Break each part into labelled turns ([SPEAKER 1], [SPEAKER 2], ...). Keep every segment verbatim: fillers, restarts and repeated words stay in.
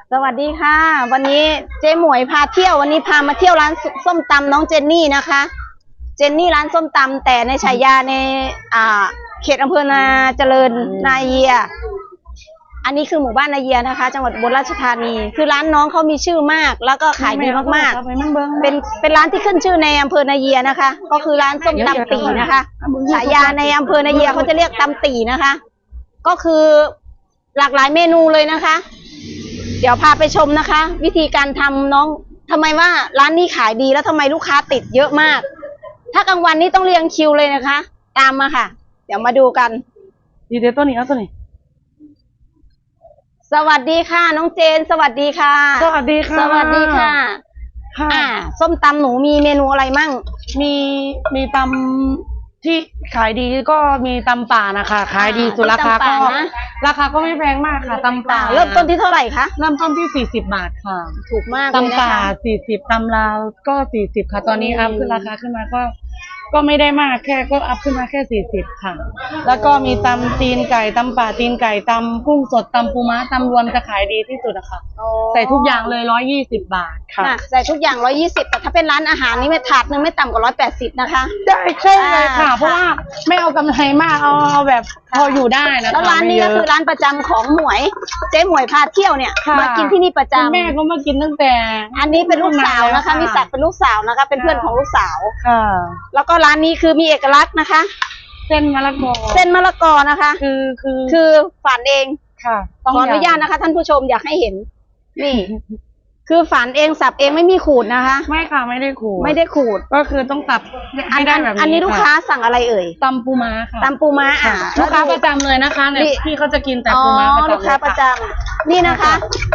[SPEAKER 1] สวัสดีค่ะวันนี้เจ๊หมวยพาเที่ยววันนี้พามาเที่ยวร้านส้มตำน้องเจนนี่นะคะเจนนี่ร้านส้มตำแต่ในฉายาในอ่าเขตอำเภอนาเจริญนาเยียอันนี้คือหมู่บ้านนาเยียนะคะจังหวัดอุบลราชธานีคือร้านน้องเขามีชื่อมากแล้วก็ขายดีมากๆเป็นเป็นร้านที่ขึ้นชื่อในอำเภอนาเยียนะคะก็คือร้านส้มตำตีนะคะฉายาในอำเภอนาเยียเขาจะเรียกตำตีนะคะก็คือหลากหลายเมนูเลยนะคะเดี๋ยวพาไปชมนะคะ วิธีการทำน้องทำไมว่าร้านนี้ขายดีแล้วทำไมลูกค้าติดเยอะมากถ้ากลางวันนี้ต้องเรียงคิวเลยนะคะตามมาค่ะเดี๋ยวมาดูกัน
[SPEAKER 2] ดีเดี๋ยวตัวนี้เอาตัวนี้
[SPEAKER 1] สวัสดีค่ะน้องเจนสวัสดีค่ะ
[SPEAKER 2] สวัสดีค่ะ
[SPEAKER 1] สวัสดีค่ะอ่าส้มตำหนูมีเมนูอะไรมั่ง
[SPEAKER 2] มีมีตำที่ขายดีก็มีตำป่านะคะขายดีสุดราคาก็ราคาก็ไม่แพงมากค่ะตำป่า
[SPEAKER 1] เริ่มต้นที่เท่าไหร่คะ
[SPEAKER 2] เริ่มต้นที่สี่สิบบาทค่ะ
[SPEAKER 1] ถูกมากเลยนะคะ
[SPEAKER 2] ตำป่าสี่สิบตำลาวก็สี่สิบค่ะตอนนี้อัพขึ้นราคาขึ้นมาก็ก็ไม่ได้มากแค่ก็อัพขึ้นมาแค่สี่สิบค่ะแล้วก็มีตำตีนไก่ตำป่าตีนไก่ตำกุ้งสดตำปูม้าตำรวมจะขายดีที่สุดอะค่ะใส่ทุกอย่างเลยร้อยยี่สิบบาทค่ะ
[SPEAKER 1] ใส่ทุกอย่างร้อยยี่สิบแต่ถ้าเป็นร้านอาหารนี่ไม่ถาดนึงไม่ต่ำกว่าร้อยแปดสิบนะคะ
[SPEAKER 2] ได้ใช่เลยค่ะเพราะว่าไม่เอากำไรมากเอาเอาแบบพออยู่ได้นะ
[SPEAKER 1] แล้วร้านนี้ก็คือร้านประจำของหมวยเจ๊หมวยพาเที่ยวเนี่ยมากินที่นี่ประจำ
[SPEAKER 2] แม่ก็มากินตั้งแต่
[SPEAKER 1] อันนี้เป็นลูกสาวนะคะมีศักดิ์เป็นลูกสาวนะคะเป็นเพื่อนของลูกสาว
[SPEAKER 2] ค่ะ
[SPEAKER 1] แล้วก็ร้านนี้คือมีเอกลักษณ์นะคะ
[SPEAKER 2] เส้นมะละกอ
[SPEAKER 1] เส้นมะละกอนะคะ
[SPEAKER 2] คือคือ
[SPEAKER 1] คือฝานเอง
[SPEAKER 2] ค่ะ
[SPEAKER 1] ขออนุญาตนะคะท่านผู้ชมอยากให้เห็นนี่คือฝานเองสับเองไม่มีขูดนะคะ
[SPEAKER 2] ไม่ค่ะไม่ได้ขูด
[SPEAKER 1] ไม่ได้ขูด
[SPEAKER 2] ก็คือต้องสับให้ได้แบบนี้
[SPEAKER 1] อันนี้ลูกค้าสั่งอะไรเอ่ย
[SPEAKER 2] ตำปูม้าค่ะ
[SPEAKER 1] ตำปูม้าอ่ะ
[SPEAKER 2] ลูกค้าประจำเลยนะคะเนี่ยพี่เขาจะกินแต่ปูม้าประจำ
[SPEAKER 1] ลูกค้าประจำนี่นะคะ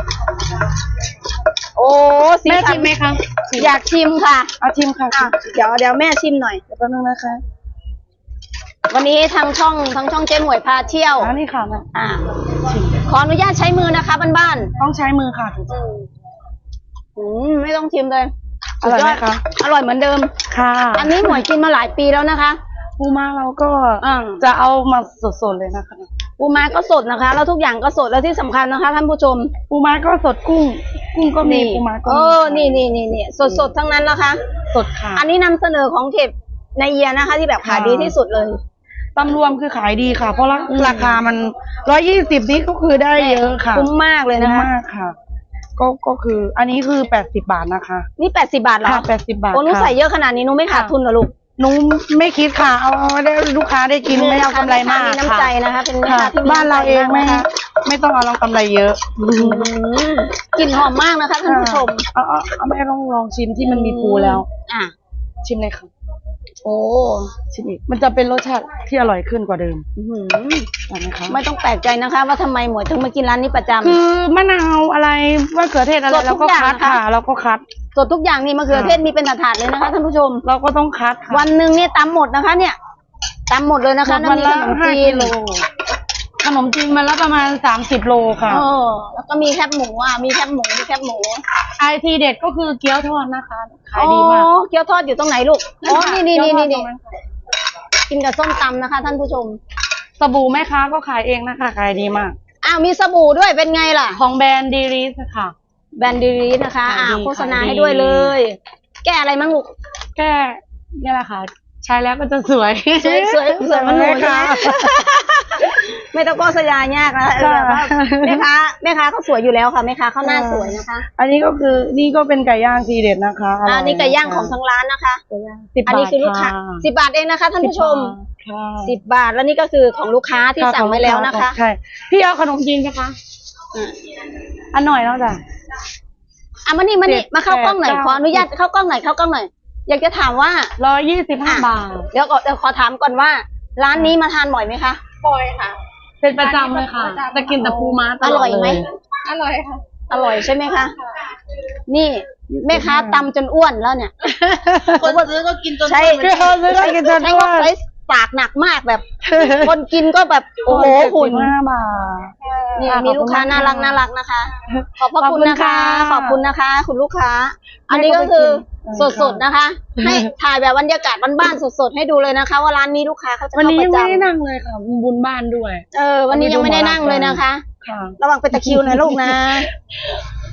[SPEAKER 1] โอ้
[SPEAKER 2] แม่ชิมไหมคะ
[SPEAKER 1] อยากชิมค่ะ
[SPEAKER 2] เอาชิมค่ะ
[SPEAKER 1] เดี๋ยวเดี๋ยวแม่ชิมหน่อย
[SPEAKER 2] เดี๋ยวแป๊บนึงนะคะ
[SPEAKER 1] วันนี้ทางช่องทางช่องเจ๊หมวยพาเที่ยว
[SPEAKER 2] อันนี้ค่ะ
[SPEAKER 1] อ่าขออนุญาตใช้มือนะคะบ้าน
[SPEAKER 2] ๆต้องใช้มือค่ะ
[SPEAKER 1] อืมไม่ต้องชิมเลย
[SPEAKER 2] อร่อยไหมคะ
[SPEAKER 1] อร่อยเหมือนเดิม
[SPEAKER 2] ค่ะ
[SPEAKER 1] อันนี้หมวยกินมาหลายปีแล้วนะคะ
[SPEAKER 2] ปูม้าเราก็จะเอามาสดๆเลยนะคะ
[SPEAKER 1] ปูม้าก็สดนะคะแล้วทุกอย่างก็สดแล้วที่สำคัญนะคะท่านผู้ชม
[SPEAKER 2] ปูม้าก็สดกุ้งกุ้งก็มีปูม้าก็
[SPEAKER 1] เออนี่นี่นี่นี่สดสดทั้งนั้นนะคะ
[SPEAKER 2] สดค่ะ
[SPEAKER 1] อันนี้นำเสนอของเขตในเยียนะคะที่แบบขายดีที่สุดเลย
[SPEAKER 2] ตำรวมคือขายดีค่ะเพราะราคามันร้อยยี่สิบนี้ก็คือได้เยอะค่ะ
[SPEAKER 1] คุ้มมากเลยนะคะ
[SPEAKER 2] มากค่ะก็ก็คืออันนี้คือแปดสิบบาทนะคะ
[SPEAKER 1] นี่แปดสิบบาทเหรอ
[SPEAKER 2] ค่ะแปดสิบบาท
[SPEAKER 1] โอ้หนูใส่เยอะขนาดนี้หนูไม่ขาดทุนเหรอลูก
[SPEAKER 2] หนูไม่คิดค่ะเอาได้ลูกค้าได้กินไม่เอากำไรมากค่ะ
[SPEAKER 1] มีน้ำใจนะคะเป็น
[SPEAKER 2] บ้านเราเองไม่ไม่ต้องเอาลองกำไรเยอะ
[SPEAKER 1] กลิ่นหอมมากนะคะท่านผู้ชม
[SPEAKER 2] เอาเอาแม่ลองลองชิมที่มันมีปูแล้ว
[SPEAKER 1] อ่ะ
[SPEAKER 2] ชิมเลยค่ะ
[SPEAKER 1] โอ้
[SPEAKER 2] ชิมอีกมันจะเป็นรสชาติที่อร่อยขึ้นกว่าเดิม
[SPEAKER 1] ไม่ต้องแปลกใจนะคะว่าทำไมหมวยถึงมากินร้านนี้ประจำ
[SPEAKER 2] คือมะนาวอะไรมะเขือเทศอะไรเราก็คัดค่ะเราก็คัด
[SPEAKER 1] สดทุกอย่างนี่มะเขือเทศมีเป็นถาดเลยนะคะท่านผู้ชม
[SPEAKER 2] เราก็ต้องคัด
[SPEAKER 1] วันหนึ่งเนี่ยตำหมดนะคะเนี่ยตำหมดเลยนะคะ
[SPEAKER 2] วันละห้ากิโลขนมจีนมันละประมาณสามสิบโลค่ะ
[SPEAKER 1] โอ้แล้วก็มีแคบหมูอ่ะมีแคบหมูมีแคบหมู
[SPEAKER 2] ไอทีเด็ดก็คือเกี๊ยวทอดนะคะขายดีมาก
[SPEAKER 1] เกี๊ยวทอดอยู่ตรงไหนลูกอ๋อนี่นี่นี่นี่กินกับส้มตำนะคะท่านผู้ชม
[SPEAKER 2] สบู่แม่ค้าก็ขายเองนะคะขายดีมาก
[SPEAKER 1] อ้าวมีสบู่ด้วยเป็นไงล่ะ
[SPEAKER 2] ของแบรนด์ดีริสค่ะ
[SPEAKER 1] แบรนด์ดีริสนะคะอ่าโฆษณาให้ด้วยเลยแก้อะไรมั่งลูก
[SPEAKER 2] แก้นี่แหละค่ะใช้แล้วก็จะสวย
[SPEAKER 1] สวยสวยสวยมันหนูค่ะไม่ต้องโฆษณายากนะแม่ค้าแม่ค้าเขาสวยอยู่แล้วค่ะแม่ค้าเขาหน้าสวยนะคะ
[SPEAKER 2] อันนี้ก็คือนี่ก็เป็นไก่ย่างทีเด็ดนะคะ
[SPEAKER 1] อันนี้ไก่ย่างของทางร้านนะคะอันนี้คือลูกค้าสิบบาทเองนะคะท่านผู้ชมสิบบาทแล้วนี่ก็คือของลูกค้าที่สั่งไว้แล้วนะคะ
[SPEAKER 2] ใช่พี่เอาขนมจีนไหมคะอันหน่อยแล้วจ้ะ
[SPEAKER 1] อ่ะมานี่มานี่มาเข้ากล้องหน่อยขออนุญาตเข้ากล้องหน่อยเข้ากล้องหน่อยอยากจะถามว่า
[SPEAKER 2] ร้อยยี่สิบห้าบาท
[SPEAKER 1] เดี๋ยวก่อนเดี๋ยวขอถามก่อนว่าร้านนี้มาทานบ่อยไหมคะ
[SPEAKER 3] บ่อยค่ะ
[SPEAKER 2] เป็นประจำเลยค่ะจะกินแต่ปูม้า
[SPEAKER 1] อร่อยไหม
[SPEAKER 3] อร่อยค่ะ
[SPEAKER 1] อร่อยใช่ไหมคะนี่แม่ค้าตำจนอ้วนแล้วเนี่ย
[SPEAKER 3] คนซื้อก็กินจน
[SPEAKER 1] ใช่ใช่กินจนอ้วนปากหนักมากแบบคนกินก็แบบโอ้โหหุ่น
[SPEAKER 2] ห้าบาท
[SPEAKER 1] นี่มีลูกค้าน่ารักน่ารักนะคะขอบพระคุณนะคะขอบคุณนะคะคุณลูกค้าอันนี้ก็คือสดๆนะคะให้ถ่ายแบบบรรยากาศบ้านๆสดๆให้ดูเลยนะคะว่าร้านนี้ลูกค้าเขาจะเข้าประจำ
[SPEAKER 2] วันนี้ไม่ได้นั่งเลยค่ะบุญบ้านด้วย
[SPEAKER 1] เออวันนี้ยังไม่ได้นั่งเลยนะคะระวังเป็นตะคิวนะลูกนะ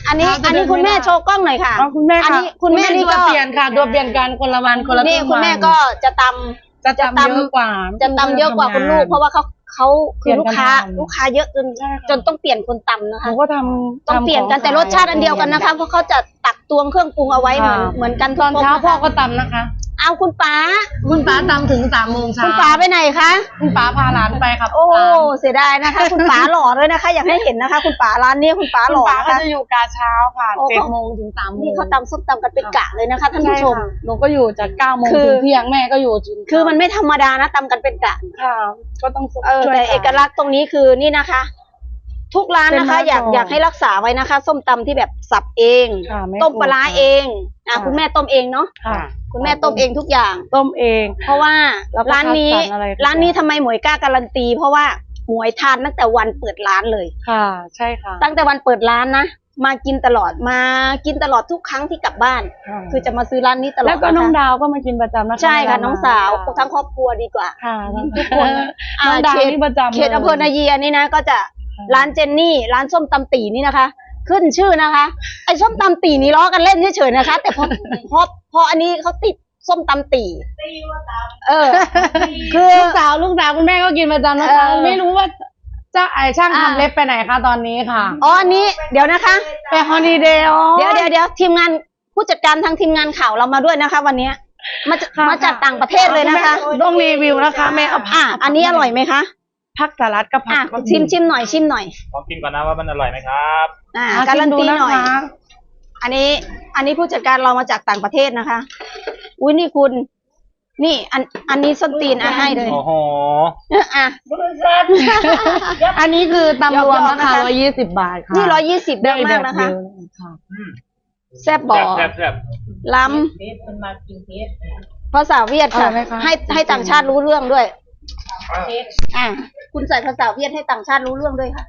[SPEAKER 1] อันนี้อันนี้คุณแม่โชว์กล้องหน่อยค่ะ
[SPEAKER 2] อ๋อคุณแม่
[SPEAKER 1] อัน
[SPEAKER 2] ค่ะ
[SPEAKER 1] นี้คุณแม่นี่
[SPEAKER 2] ตัว
[SPEAKER 1] ก็
[SPEAKER 2] เปลี่ยนค่ะตัวเปลี่ยนกันคนละวันคนละ
[SPEAKER 1] นี่
[SPEAKER 2] รึ่ง
[SPEAKER 1] คุณแม่
[SPEAKER 2] วัน
[SPEAKER 1] ก็จะตำ
[SPEAKER 2] จะตำเยอะกว่า
[SPEAKER 1] จะตำเยอะกว่าคุณลูก เพราะว่าเขาเขาคือลูกค้า
[SPEAKER 2] เปลี่ยนกันทำ
[SPEAKER 1] ลูกค้าเยอะจน
[SPEAKER 2] ใช่ค่ะ
[SPEAKER 1] จนต้องเปลี่ยนคนตำนะ
[SPEAKER 2] ห
[SPEAKER 1] คะ
[SPEAKER 2] นูก็ทำ
[SPEAKER 1] ต้องเปลี่ยนกันแต่รสชาติอันเดียวกันนะคะ เพราะเขาจะตักตวงเครื่องปรุงเอาไว้เหมือนเหมือนกันทุ
[SPEAKER 2] ต
[SPEAKER 1] ก
[SPEAKER 2] อน
[SPEAKER 1] ค
[SPEAKER 2] เช้า
[SPEAKER 1] นะคะ
[SPEAKER 2] พ่อก็ตำนะคะ
[SPEAKER 1] เอาคุณป๋า
[SPEAKER 2] คุณป้าตำถึงสามโมงเช้า
[SPEAKER 1] คุณป๋าไปไหนคะ
[SPEAKER 2] คุณป้าพาหลานไปครับ
[SPEAKER 1] โอ้เสียดายนะคะ คุณป๋าหล่อเลยนะคะ อยากให้เห็นนะคะ คุณป๋าร้านนี้คุณป๋า
[SPEAKER 2] ห
[SPEAKER 1] ห
[SPEAKER 2] ล่
[SPEAKER 1] ล่
[SPEAKER 2] อ
[SPEAKER 1] อ
[SPEAKER 2] ก็
[SPEAKER 1] นะคะ
[SPEAKER 2] จะอยู่กาเช้าค่ะ
[SPEAKER 1] โอ้
[SPEAKER 2] เจ็ดโมงถึงสามโมง
[SPEAKER 1] นี่เขาตำส้มตำกันเป็นกะเลยนะคะท่านผู้ชม
[SPEAKER 2] ใค่ะหนูก็อยู่จากเก้าโมง
[SPEAKER 1] คือ
[SPEAKER 2] ถึงเที่ยงแม่ก็อยู่จน
[SPEAKER 1] คือมันไม่ธรรมดานะตำกันเป็นกะ
[SPEAKER 2] ค่ะ ก็ต้อง
[SPEAKER 1] เออ
[SPEAKER 2] ช่วย
[SPEAKER 1] แต่
[SPEAKER 2] น
[SPEAKER 1] เอกลักษณ์ตรงนี้คือนี่นะคะ ทุกร้านนะคะ
[SPEAKER 2] เป็น
[SPEAKER 1] อยาก
[SPEAKER 2] มะกอก
[SPEAKER 1] อยากให้รักษาไว้นะคะ ส้มตำที่แบบสับเอง
[SPEAKER 2] ค่ะไม่
[SPEAKER 1] ต้มปลาร้า
[SPEAKER 2] ขูดค่ะ
[SPEAKER 1] เองอ่ะ
[SPEAKER 2] ค่ะ
[SPEAKER 1] คุณแม่ต้มเองเนาะ
[SPEAKER 2] ค่ะ
[SPEAKER 1] คุณแม่ต้มเองทุกอย่าง
[SPEAKER 2] ต้มเอง
[SPEAKER 1] เพราะว่า
[SPEAKER 2] แล้วก็
[SPEAKER 1] ร้านนี้
[SPEAKER 2] คัดสรรอะไรทุกอย่าง
[SPEAKER 1] ร้านนี้ทำไมหมวยกล้าการันตี เพราะว่าหมวยทานตั้งแต่วันเปิดร้านเลย
[SPEAKER 2] ค่ะ ใช่ค่ะ
[SPEAKER 1] ตั้งแต่วันเปิดร้านนะมากินตลอดมากินตลอดทุกครั้งที่กลับบ้าน
[SPEAKER 2] ค่ะ
[SPEAKER 1] คือจะมาซื้อร้านนี้ตลอด
[SPEAKER 2] แล้วก็
[SPEAKER 1] ะคะ
[SPEAKER 2] น้องดาวก็มากินประจำนะคะ
[SPEAKER 1] ใช่ค่ะ
[SPEAKER 2] เวล
[SPEAKER 1] น้องสาวทั้งครอบครัวดีกว่า
[SPEAKER 2] ค่ะ
[SPEAKER 1] ทุกคนอ่า
[SPEAKER 2] น้องดาว
[SPEAKER 1] เขต
[SPEAKER 2] นี่ประจำ
[SPEAKER 1] เขตอำเภอนา
[SPEAKER 2] ลย
[SPEAKER 1] เยียนี่นะก็จะ
[SPEAKER 2] ค่ะ
[SPEAKER 1] ร้านเจนนี่ร้านส้มตำตีนี่นะคะ ขึ้นชื่อนะคะ ไอ้ส้มตำตีนี่ล้อกันเล่นเฉยๆนะคะ แต่พอพอพออันนี้เขาติดส้มตำตีเออ คือ
[SPEAKER 2] ลูกสาวลูกสาวคุณแม่ก็กินประจำนะคะ
[SPEAKER 1] เออ
[SPEAKER 2] ไม่รู้ว่าเจ้าไอช่าง
[SPEAKER 1] อ่า
[SPEAKER 2] ทำเล็บไปไหนคะตอนนี้ค่ะ
[SPEAKER 1] อ๋ออันนี้เดี๋ยวนะคะ
[SPEAKER 2] ไปฮอลิเดย์
[SPEAKER 1] เดี๋ยวเดี๋ยวเดี๋ยวทีมงานผู้จัดการทางทีมงานข่าวเรามาด้วยนะคะ วันนี้มาจากมาจากต่างประเทศเลยนะคะ
[SPEAKER 2] ต้องรีวิวนะคะแม่เอา
[SPEAKER 1] อ่ะอันนี้อร่อยไหมคะ
[SPEAKER 2] ผักสลัดกับผั
[SPEAKER 1] อ่ะ
[SPEAKER 2] ก
[SPEAKER 1] ชิมชิมหน่อยชิมหน่อย
[SPEAKER 4] ลองกินก่อนนะว่ามันอร่อยไหมครับ
[SPEAKER 1] อ่า
[SPEAKER 2] อ่ะ
[SPEAKER 1] การันตี
[SPEAKER 2] ชิมดูะ
[SPEAKER 1] หน่อย
[SPEAKER 2] คะ
[SPEAKER 1] อันนี้ อันนี้ผู้จัดการเรามาจากต่างประเทศนะคะ อุ้ยนี่คุณ นี่ อัน อันนี้ส้นตีนอ่ะให้เลย
[SPEAKER 4] โอ้โห
[SPEAKER 1] อ่ะ
[SPEAKER 2] อันนี้คือตำรวม
[SPEAKER 1] ยอ
[SPEAKER 2] รา
[SPEAKER 1] มๆนะคะ
[SPEAKER 2] คาร้อยยี่สิบบาทค่ะ
[SPEAKER 1] นี่ร้อยยี่สิบเยอะมากนะคะ
[SPEAKER 2] ได้แบบเยอค่ะ
[SPEAKER 1] แซ่บบ่อ
[SPEAKER 4] แซ่บแซ่บ
[SPEAKER 1] ล้ำภาษาเวียดค่ะ
[SPEAKER 2] อร่อยไหมคะ
[SPEAKER 1] ให้ให้ต่างชาติรู้เรื่องด้วย อ่ะ คุณใส่ภาษาเวียดให้ต่างชาติรู้เรื่องด้วยค่ะ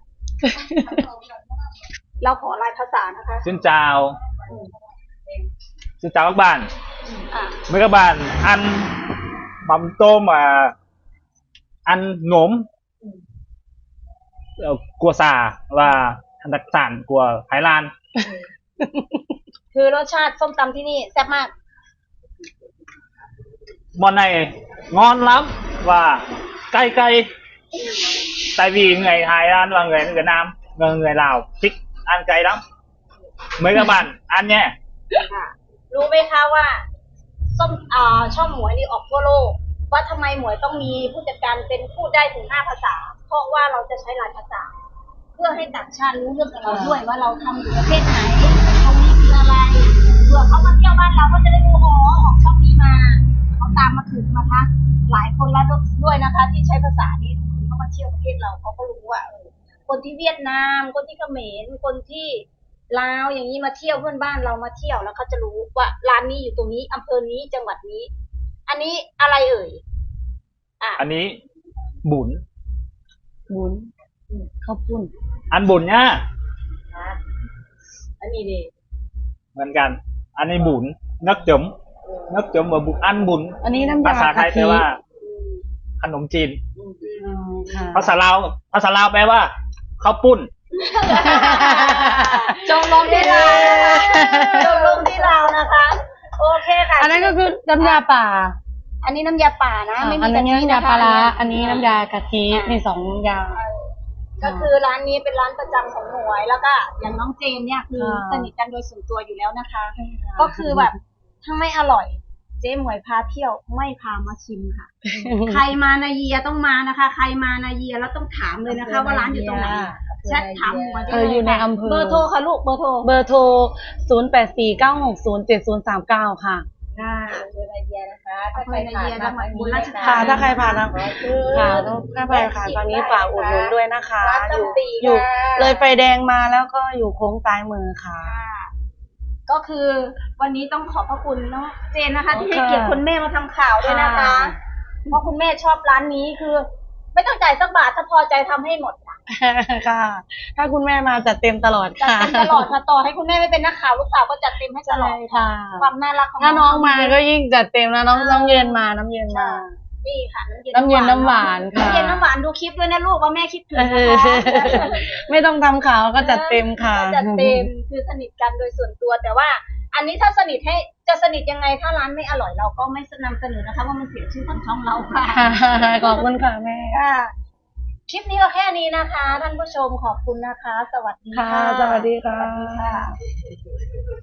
[SPEAKER 1] เราขอลายภาษานะคะ
[SPEAKER 4] xin chào xin chào các bạn
[SPEAKER 1] อ่ะ
[SPEAKER 4] mấy các bạn ăn mắm tôm mà ăn nốm ờ, của xà và đặc sản của Thái Lan
[SPEAKER 1] คือรสชาติส้มตำที่นี่แซ่บมาก
[SPEAKER 4] món này ngon lắm và cay cay tại vì người Thái Lan và người Việt Nam người, người Lào thích ăn cay lắm mấy các bạn ăn nhé
[SPEAKER 1] รู้ไหมคะว่าส้มอ่าช่องหมวยนี่ออกทั่วโลก ว่าทำไมหมวยต้องมีผู้จัดการเป็นพูดได้ถึงห้าภาษา เพราะว่าเราจะใช้หลายภาษา เพื่อให้ต่างชาติรู้เรื่องกับเราด้วยว่าเราทำอยู่ประเทศไหนตรงนี้คืออะไรเผื่อเขามาเที่ยวบ้านเราก็จะได้รู้อ๋อออกช่องนี้มาเขาตามมาถึงมาทักหลายคนแล้วด้วยนะคะ ที่ใช้ภาษานี้เขามาเที่ยวประเทศเราเขาก็รู้ว่าเออคนที่เวียดนาม คนที่เขมรคนที่ลาวอย่างนี้มาเที่ยวเพื่อนบ้านเรามาเที่ยวแล้วเขาจะรู้ว่าร้านนี้อยู่ตรงนี้อำเภอนี้จังหวัดนี้ อันนี้อะไรเอ่ยอ่ะ
[SPEAKER 4] อันนี้บุญ
[SPEAKER 2] บุญข้าวปุ้น
[SPEAKER 4] ăn bún nhá
[SPEAKER 1] อันนี้ดิ
[SPEAKER 4] เหมือนกัน อันนี้บุญนักจมนักจมว่าบุญอันบุญ
[SPEAKER 2] อันนี้น้ำยา
[SPEAKER 4] ภาษาไทย
[SPEAKER 2] กะ
[SPEAKER 4] แปล
[SPEAKER 2] ทิ
[SPEAKER 4] ว่า ขนมจีน
[SPEAKER 2] อืมค่ะ
[SPEAKER 4] ภาษาลาวภาษาลาวแปลว่าข้าวปุ้น
[SPEAKER 1] จงลงที่ลาวนะคะจงลงที่ลาวนะคะ โอเคค่ะ
[SPEAKER 2] อันนั้นก็คือน้ำยาป่า
[SPEAKER 1] อันนี้น้ำยาป่านะไม่
[SPEAKER 2] อั
[SPEAKER 1] มี
[SPEAKER 2] น
[SPEAKER 1] กะ
[SPEAKER 2] นี้
[SPEAKER 1] ทิ
[SPEAKER 2] น้ำยา
[SPEAKER 1] นะคะ
[SPEAKER 2] ปลาร้าอันนี้น้ำยากะทิมีสองอย่าง
[SPEAKER 1] ก็คือร้านนี้เป็นร้านประจำของหมวยแล้วก็อย่างน้องเจนเนี่ยคือ
[SPEAKER 2] ค่ะ
[SPEAKER 1] สนิทกันโดยส่วนตัวอยู่แล้วนะคะ ก็คือแบบถ้าไม่อร่อย เจ๊หมวยพาเที่ยวไม่พามาชิมค่ะ ใครมานาเยียต้องมานะคะ ใครมานาเยียแล้วต้องถามเลยนะคะ ว่าร้านอยู่ตรงไหนแชทถามหมวยได้
[SPEAKER 2] เออ
[SPEAKER 1] เลย
[SPEAKER 2] อยู่ใน
[SPEAKER 1] ค่ะ
[SPEAKER 2] อำเภอ
[SPEAKER 1] เบอร์โทรค่ะลูกเบอร์โทร
[SPEAKER 2] เบอร์โทร ศูนย์ แปด สี่ เก้า หก ศูนย์ เจ็ด ศูนย์ สาม เก้า ค่ะ
[SPEAKER 1] ค่ะ
[SPEAKER 3] อำเภอนาเยียนะคะ
[SPEAKER 1] อำเภอนาเยียจังหวัดอุบลราชธานี
[SPEAKER 2] ค่ะ ถ้าใครผ่านนะค่ะถ้าใครผ่านตอนนี้ฝากอุดหนุนด้วยนะคะ
[SPEAKER 1] ร้าน
[SPEAKER 2] อยู่
[SPEAKER 1] ตำตี
[SPEAKER 2] อยู่
[SPEAKER 1] ค่ะ
[SPEAKER 2] เลยไฟแดงมาแล้วก็อยู่โค้งซ้ายมือค่ะ
[SPEAKER 1] ก็คือวันนี้ต้องขอบพระคุณน้องเจนนะคะ ที่ให้
[SPEAKER 2] ค่ะ
[SPEAKER 1] เกียรติคุณแม่มาทำข่าวด้วยนะคะ
[SPEAKER 2] ค่ะ
[SPEAKER 1] เพราะคุณแม่ชอบร้านนี้คือ ไม่ต้องจ่ายสักบาทถ้าพอใจทำให้หมดค่ะ
[SPEAKER 2] ค่ะ ถ้าคุณแม่มาจัดเต็มตลอด
[SPEAKER 1] จัด
[SPEAKER 2] ค่ะ
[SPEAKER 1] เต็มตลอดค่ะต่อให้คุณแม่ไม่เป็นนักข่าวลูกสาวก็จัดเต็มให้ตลอ
[SPEAKER 2] ใช่
[SPEAKER 1] ด
[SPEAKER 2] ค่ะ
[SPEAKER 1] ความน่ารักของ
[SPEAKER 2] ถ้าน้องมาก็ยิ่งจัดเต็มนะน้องน้องเย็นมาน้องเย็นมา
[SPEAKER 1] นี่ค่ะ
[SPEAKER 2] น้ำเย็นน้ำหวานค่ะ
[SPEAKER 1] น้ำเย็นน้ำหวานดูคลิปด้วยนะลูกว่าแม่คิดถึง
[SPEAKER 2] เอ
[SPEAKER 1] นะ
[SPEAKER 2] อ
[SPEAKER 1] คะ
[SPEAKER 2] ไม่ต้องทำข่าวก็จัดเต็มค่ะ
[SPEAKER 1] จัดเต็มคือสนิทกันโดยส่วนตัวแต่ว่า อันนี้ถ้าสนิทให้จะสนิทยังไงถ้าร้านไม่อร่อยเราก็ไม่นำเสนอนะคะว่ามันเสียชื่อทางช่องเราค่ะ
[SPEAKER 2] ขอบคุณค่ะแม่
[SPEAKER 1] ค่ะคลิปนี้ก็แค่นี้นะคะท่านผู้ชมขอบคุณนะคะ สวัสดี
[SPEAKER 2] ค่ะ
[SPEAKER 1] ค่ะ
[SPEAKER 2] สวัสดีค่ะ
[SPEAKER 1] สวัสดีค่ะ